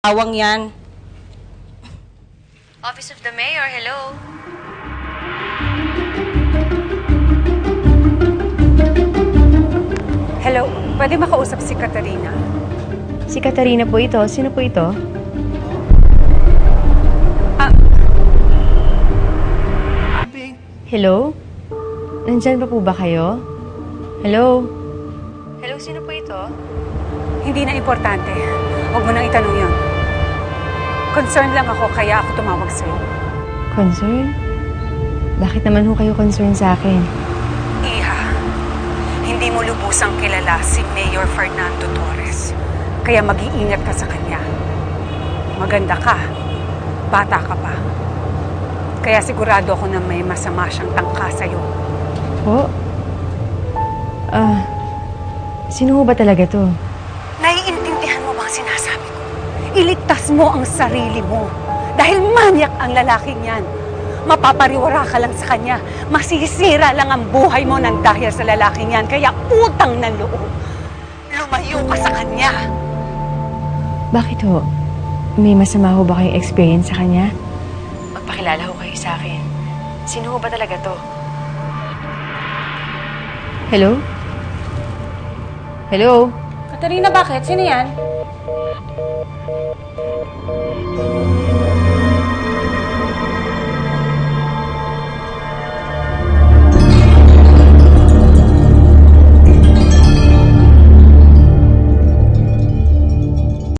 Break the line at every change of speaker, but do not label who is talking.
Awang yan.
Office of the Mayor, hello?
Hello, pwede makausap si Katarina?
Si Katarina po ito. Sino po ito? Hello? Nandyan pa po ba kayo? Hello? Hello, sino po ito?
Hindi na importante. Huwag mo nang itanong yun. Concerned lang ako, kaya ako tumawag sa'yo.
Concern? Bakit naman ho kayo concern sa akin?
Iha, hindi mo lubusang kilala si Mayor Fernando Torres. Kaya mag-iingat ka sa kanya. Maganda ka. Bata ka pa. Kaya sigurado ako na may masama siyang tangka sa'yo.
Po? Sino ho ba talaga to?
Naiintindihan mo ba ang sinasabi ko? Iligtas mo ang sarili mo. Dahil manyak ang lalaking yan. Mapapariwara ka lang sa kanya. Masisira lang ang buhay mo nang dahil sa lalaking yan. Kaya utang ng loob. Lumayo ka sa kanya.
Bakit ho? May masama ho ba kayong experience sa kanya? Magpakilala ho kayo sa akin. Sino ho ba talaga to? Hello? Hello?
Katarina, bakit? Sino yan?